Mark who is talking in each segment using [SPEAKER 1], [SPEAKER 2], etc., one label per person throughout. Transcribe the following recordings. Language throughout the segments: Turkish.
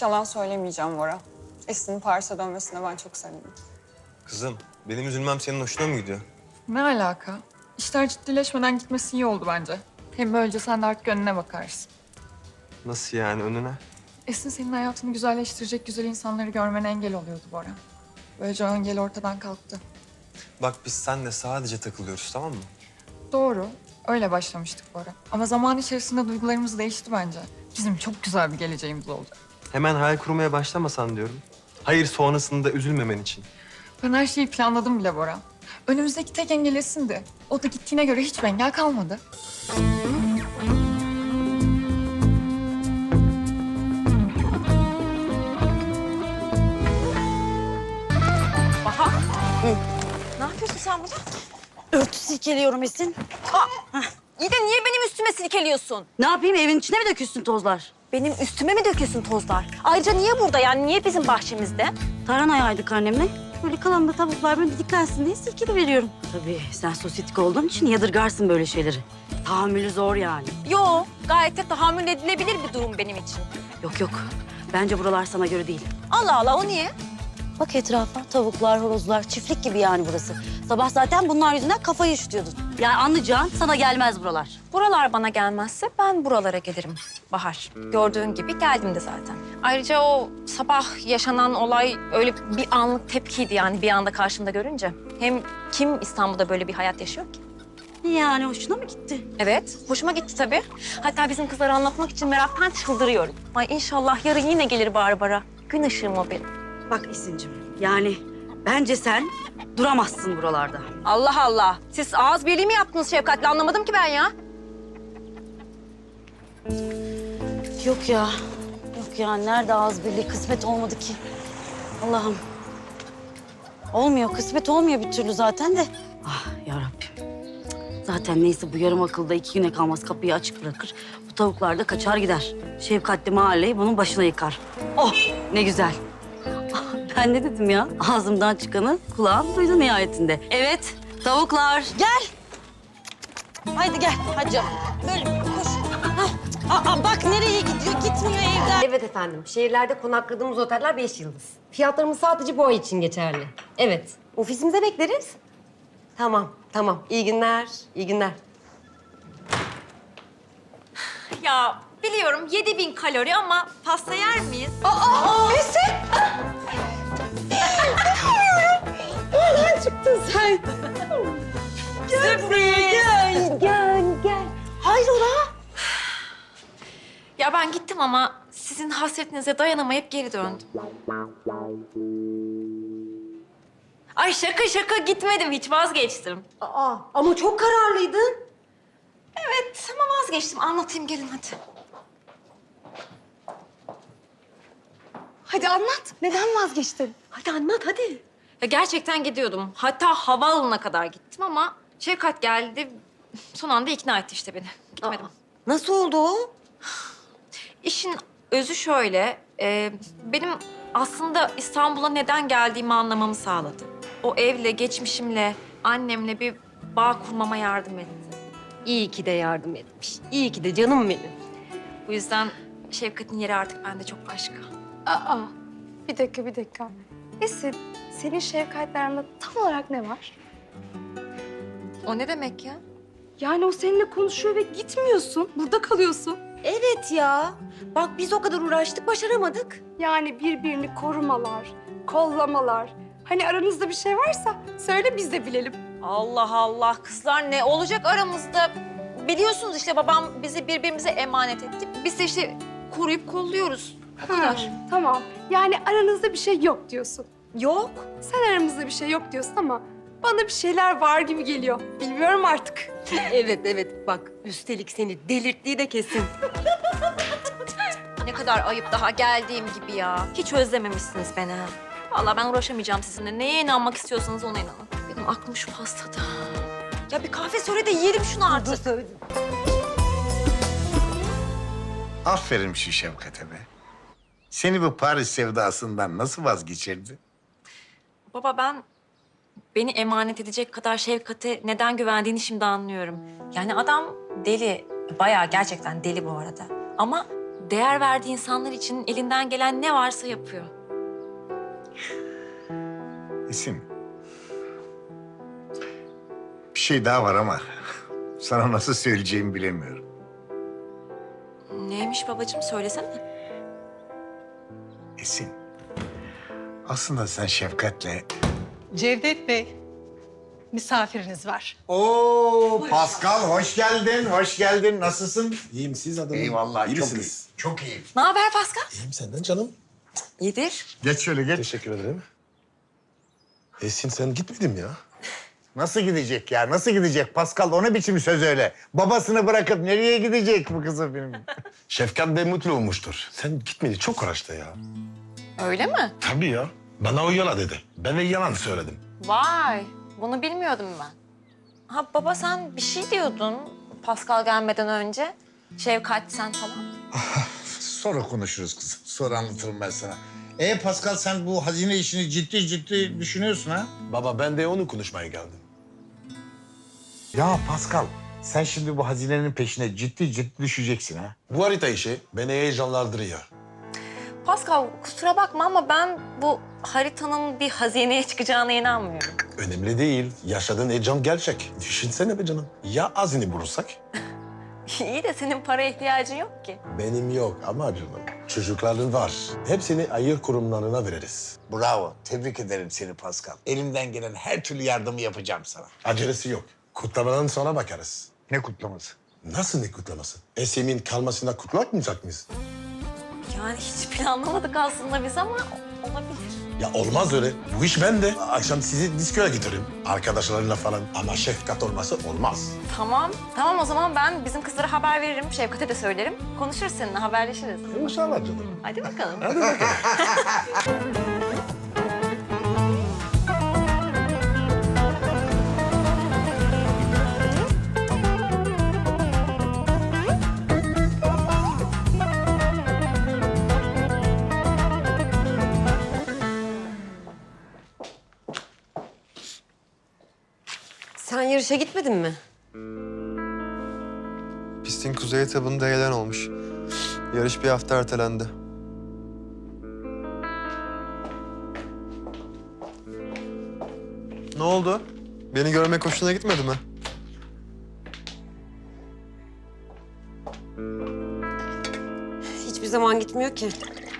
[SPEAKER 1] yalan söylemeyeceğim Bora. Esin'in Paris'e dönmesine ben çok sevindim.
[SPEAKER 2] Kızım, benim üzülmem senin hoşuna mı gidiyor?
[SPEAKER 3] Ne alaka? İşler ciddileşmeden gitmesi iyi oldu bence. Hem böylece sen de artık önüne bakarsın.
[SPEAKER 2] Nasıl yani önüne?
[SPEAKER 3] Esin senin hayatını güzelleştirecek güzel insanları görmene engel oluyordu Bora. Böylece o engel ortadan kalktı.
[SPEAKER 2] Bak biz seninle sadece takılıyoruz, tamam mı?
[SPEAKER 3] Doğru. Öyle başlamıştık Bora. Ama zaman içerisinde duygularımız değişti bence. Bizim çok güzel bir geleceğimiz olacak.
[SPEAKER 2] Hemen hayal kurmaya başlamasan diyorum. Hayır, sonrasında üzülmemen için.
[SPEAKER 3] Ben her şeyi planladım bile Bora. Önümüzdeki tek engel Esin'di. O da gittiğine göre hiçbir engel kalmadı.
[SPEAKER 4] Ne yapıyorsun sen burada?
[SPEAKER 5] Örtü silkeliyorum Esin.
[SPEAKER 4] İyi de niye benim üstüme silkeliyorsun?
[SPEAKER 5] Ne yapayım, evin içine mi dökülsün tozlar?
[SPEAKER 4] Benim üstüme mi döküyorsun tozlar? Ayrıca niye burada yani? Niye bizim bahçemizde?
[SPEAKER 5] Tarhana yaydık annemle. Böyle kalan da tavuklar böyle didiklensin diye silkeli veriyorum. Tabii sen sosyetik olduğun için yadırgarsın böyle şeyleri. Tahammülü zor yani.
[SPEAKER 4] Yo, gayet de tahammül edilebilir bir durum benim için.
[SPEAKER 5] Yok yok, bence buralar sana göre değil.
[SPEAKER 4] Allah Allah, o niye?
[SPEAKER 5] Bak etrafa, tavuklar, horozlar, çiftlik gibi yani burası. Sabah zaten bunlar yüzünden kafayı üşütüyordun. Yani anlayacağın sana gelmez buralar.
[SPEAKER 4] Buralar bana gelmezse ben buralara gelirim Bahar. Gördüğün gibi geldim de zaten. Ayrıca o sabah yaşanan olay öyle bir anlık tepkiydi yani bir anda karşımda görünce. Hem kim İstanbul'da böyle bir hayat yaşıyor ki?
[SPEAKER 5] Yani hoşuna mı gitti?
[SPEAKER 4] Evet, hoşuma gitti tabii. Hatta bizim kızlara anlatmak için meraktan çıldırıyorum. Ay inşallah yarın yine gelir Barbara. Gün ışığım o benim.
[SPEAKER 5] Bak Esin'cim, yani bence sen duramazsın buralarda.
[SPEAKER 4] Allah Allah. Siz ağız birliği mi yaptınız Şefkat'le? Anlamadım ki ben ya.
[SPEAKER 5] Yok ya. Yok ya. Nerede ağız birliği? Kısmet olmadı ki. Allah'ım. Olmuyor. Kısmet olmuyor bir türlü zaten de. Ah yarabbim. Zaten neyse bu yarım akılda 2 güne kalmaz kapıyı açık bırakır. Bu tavuklar da kaçar gider. Şefkatli mahalleyi bunun başına yıkar. Oh ne güzel. Ah, ben ne dedim ya? Ağzımdan çıkanı kulağım duydu nihayetinde. Evet tavuklar gel. Haydi gel hadi canım. Böyle koş. Bak nereye gidiyor? Gitmiyor evden.
[SPEAKER 6] Evet efendim. Şehirlerde konakladığımız oteller 5 yıldız. Fiyatlarımız sadece bu ay için geçerli. Evet. Ofisimize bekleriz. Tamam, tamam. İyi günler, iyi günler.
[SPEAKER 4] Ya biliyorum 7000 kalori ama pasta yer miyiz? Ya ben gittim ama sizin hasretinize dayanamayıp geri döndüm. Ay şaka şaka gitmedim hiç vazgeçtim.
[SPEAKER 6] Aa, ama çok kararlıydın.
[SPEAKER 4] Evet ama vazgeçtim. Anlatayım gelin hadi.
[SPEAKER 6] Hadi anlat. Neden vazgeçtin? Hadi anlat, hadi.
[SPEAKER 4] Ya gerçekten gidiyordum. Hatta havaalanına kadar gittim ama Şevkat geldi. Son anda ikna etti işte beni. Gitmedim.
[SPEAKER 6] Nasıl oldu o?
[SPEAKER 4] İşin özü şöyle. Benim aslında İstanbul'a neden geldiğimi anlamamı sağladı. O evle, geçmişimle, annemle bir bağ kurmama yardım etti.
[SPEAKER 6] İyi ki de yardım etmiş. İyi ki de canım benim.
[SPEAKER 4] Bu yüzden Şevkat'in yeri artık bende çok başka.
[SPEAKER 7] Aa, bir dakika, bir dakika. Esin, senin Şevkat'le aranda tam olarak ne var?
[SPEAKER 4] O ne demek ya?
[SPEAKER 7] Yani o seninle konuşuyor ve gitmiyorsun, burada kalıyorsun.
[SPEAKER 6] Evet ya. Bak biz o kadar uğraştık, başaramadık.
[SPEAKER 7] Yani birbirini korumalar, kollamalar. Hani aranızda bir şey varsa söyle biz de bilelim.
[SPEAKER 4] Allah Allah kızlar ne olacak aramızda? Biliyorsunuz işte babam bizi birbirimize emanet etti. Biz de işte koruyup kolluyoruz. O kadar.
[SPEAKER 7] Tamam. Yani aranızda bir şey yok diyorsun.
[SPEAKER 4] Yok.
[SPEAKER 7] Sen aramızda bir şey yok diyorsun ama bana bir şeyler var gibi geliyor. Bilmiyorum artık.
[SPEAKER 6] Evet, evet. Bak üstelik seni delirttiği de kesin.
[SPEAKER 4] Ne kadar ayıp daha geldiğim gibi ya. Hiç özlememişsiniz beni. Ha. Vallahi ben uğraşamayacağım sizinle. Neye inanmak istiyorsanız ona inanın. Benim aklım şu pastada. Ya bir kahve söyle de yiyelim şunu artık.
[SPEAKER 6] Söyledim.
[SPEAKER 8] Aferin şu Şevkat'e be. Seni bu Paris sevdasından nasıl vazgeçirdi?
[SPEAKER 4] Baba ben beni emanet edecek kadar Şevkat'e neden güvendiğini şimdi anlıyorum. Yani adam deli. Bayağı gerçekten deli bu arada. Ama değer verdiği insanlar için elinden gelen ne varsa yapıyor.
[SPEAKER 8] Esin. Bir şey daha var ama sana nasıl söyleyeceğimi bilemiyorum.
[SPEAKER 4] Neymiş babacığım, söylesene.
[SPEAKER 8] Esin. Aslında sen Şefkat'le...
[SPEAKER 9] Cevdet Bey, misafiriniz var.
[SPEAKER 8] Oo, Pascal hoş geldin, hoş geldin. Nasılsın?
[SPEAKER 10] İyiyim siz adamım.
[SPEAKER 8] Eyvallah,
[SPEAKER 10] İyi
[SPEAKER 8] çok
[SPEAKER 10] misiniz?
[SPEAKER 8] iyi. Çok iyi.
[SPEAKER 4] Ne haber Pascal?
[SPEAKER 10] İyiyim senden canım.
[SPEAKER 4] İyidir.
[SPEAKER 8] Geç şöyle geç.
[SPEAKER 10] Teşekkür ederim. Esin sen gitmedin ya.
[SPEAKER 8] Nasıl gidecek ya? Nasıl gidecek? Pascal o ne biçim söz öyle? Babasını bırakıp nereye gidecek bu kızım benim?
[SPEAKER 10] Şefkat de mutlu olmuştur. Sen gitmedi çok uğraştı ya.
[SPEAKER 4] Öyle mi?
[SPEAKER 10] Tabii ya. Bana o yalan dedi. Ben de yalan söyledim.
[SPEAKER 4] Vay, bunu bilmiyordum ben. Ha baba, sen bir şey diyordun Pascal gelmeden önce. Şefkat sen falan.
[SPEAKER 8] Sonra konuşuruz kızım. Sonra anlatırım ben sana. Pascal sen bu hazine işini ciddi ciddi düşünüyorsun ha?
[SPEAKER 10] Baba ben de onu konuşmaya geldim.
[SPEAKER 8] Ya Pascal sen şimdi bu hazinenin peşine ciddi ciddi düşeceksin ha?
[SPEAKER 10] Bu harita işi beni heyecanlandırıyor.
[SPEAKER 4] Pascal, kusura bakma ama ben bu haritanın bir hazineye çıkacağına inanmıyorum.
[SPEAKER 10] Önemli değil. Yaşadığın heyecan gerçek. Düşünsene be canım. Ya azini bulursak?
[SPEAKER 4] İyi de senin para ihtiyacın yok ki.
[SPEAKER 10] Benim yok ama canım. Çocukların var. Hepsini hayır kurumlarına veririz.
[SPEAKER 8] Bravo. Tebrik ederim seni Pascal. Elimden gelen her türlü yardımı yapacağım sana.
[SPEAKER 10] Acelesi yok. Kutlamadan sonra bakarız.
[SPEAKER 8] Ne kutlaması?
[SPEAKER 10] Nasıl ne kutlaması? Esim'in kalmasına kutlamayacak mıyız?
[SPEAKER 4] Yani hiç planlamadık aslında biz ama olabilir.
[SPEAKER 10] Ya olmaz öyle. Bu iş bende. Akşam sizi diskoya götürürüm. Arkadaşlarıyla falan. Ama Şefkat olması olmaz.
[SPEAKER 4] Tamam, tamam o zaman ben bizim kızlara haber veririm. Şefkat'e de söylerim. Konuşuruz seninle, haberleşiriz.
[SPEAKER 10] İnşallah canım.
[SPEAKER 4] Hadi bakalım.
[SPEAKER 10] Hadi bakalım.
[SPEAKER 6] Sen yarışa gitmedin mi?
[SPEAKER 2] Pistin kuzey etabında heyelan olmuş. Yarış bir hafta ertelendi. Ne oldu? Beni görmek hoşuna gitmedi mi?
[SPEAKER 6] Hiçbir zaman gitmiyor ki.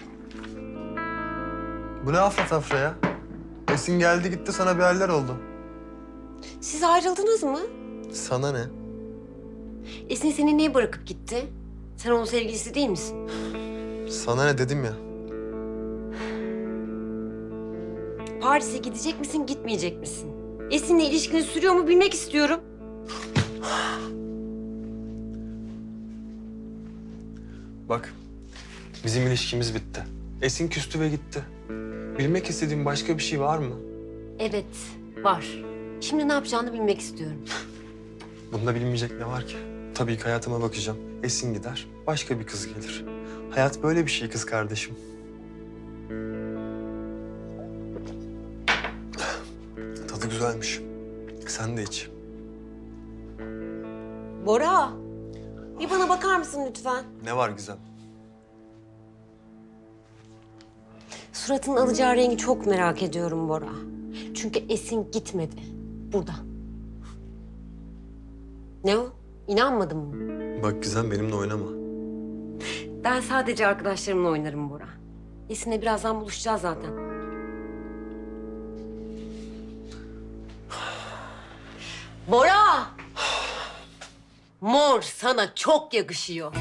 [SPEAKER 2] Bu ne afra tafra ya? Esin geldi gitti sana bir haller oldu.
[SPEAKER 6] Siz ayrıldınız mı?
[SPEAKER 2] Sana ne?
[SPEAKER 6] Esin seni niye bırakıp gitti? Sen onun sevgilisi değil misin?
[SPEAKER 2] Sana ne dedim ya?
[SPEAKER 6] Paris'e gidecek misin, gitmeyecek misin? Esin'le ilişkiniz sürüyor mu bilmek istiyorum.
[SPEAKER 2] Bak, bizim ilişkimiz bitti. Esin küstü ve gitti. Bilmek istediğin başka bir şey var mı?
[SPEAKER 6] Evet, var. Şimdi ne yapacağını bilmek istiyorum.
[SPEAKER 2] Bunda bilinmeyecek ne var ki? Tabii ki hayatıma bakacağım. Esin gider, başka bir kız gelir. Hayat böyle bir şey kız kardeşim. Tadı güzelmiş. Sen de iç.
[SPEAKER 6] Bora, bir bana bakar mısın lütfen?
[SPEAKER 2] Ne var Gizem?
[SPEAKER 6] Suratının alacağı rengi çok merak ediyorum Bora. Çünkü Esin gitmedi. Burada. Ne o? İnanmadın mı?
[SPEAKER 2] Bak Gizem benimle oynama.
[SPEAKER 6] Ben sadece arkadaşlarımla oynarım Bora. Esin'le birazdan buluşacağız zaten. Bora! Mor sana çok yakışıyor.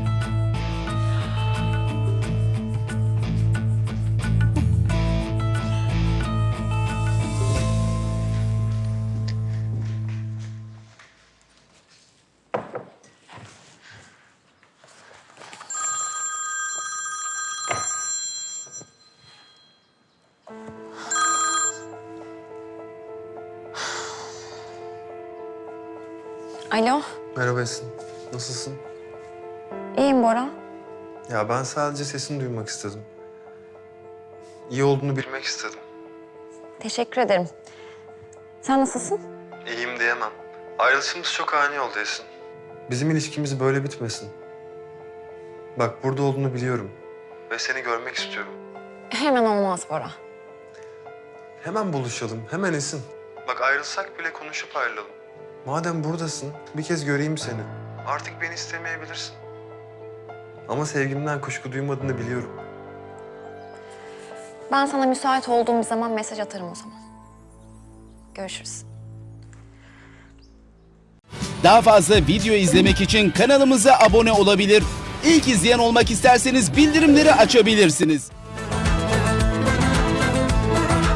[SPEAKER 4] Alo,
[SPEAKER 2] Merhaba Esin. Nasılsın?
[SPEAKER 4] iyiyim Bora.
[SPEAKER 2] Ya ben sadece sesini duymak istedim. İyi olduğunu bilmek istedim.
[SPEAKER 4] Teşekkür ederim. Sen nasılsın?
[SPEAKER 2] İyiyim diyemem. Ayrılışımız çok ani oldu Esin. Bizim ilişkimiz böyle bitmesin. Bak burada olduğunu biliyorum. Ve seni görmek istiyorum.
[SPEAKER 4] Hemen olmaz Bora.
[SPEAKER 2] Hemen buluşalım, hemen Esin. Bak ayrılsak bile konuşup ayrılalım. Madem buradasın, bir kez göreyim seni. Artık beni istemeyebilirsin. Ama sevgimden kuşku duymadığını biliyorum.
[SPEAKER 4] Ben sana müsait olduğum bir zaman mesaj atarım o zaman. Görüşürüz.
[SPEAKER 11] Daha fazla video izlemek için kanalımıza abone olabilir. İlk izleyen olmak isterseniz bildirimleri açabilirsiniz.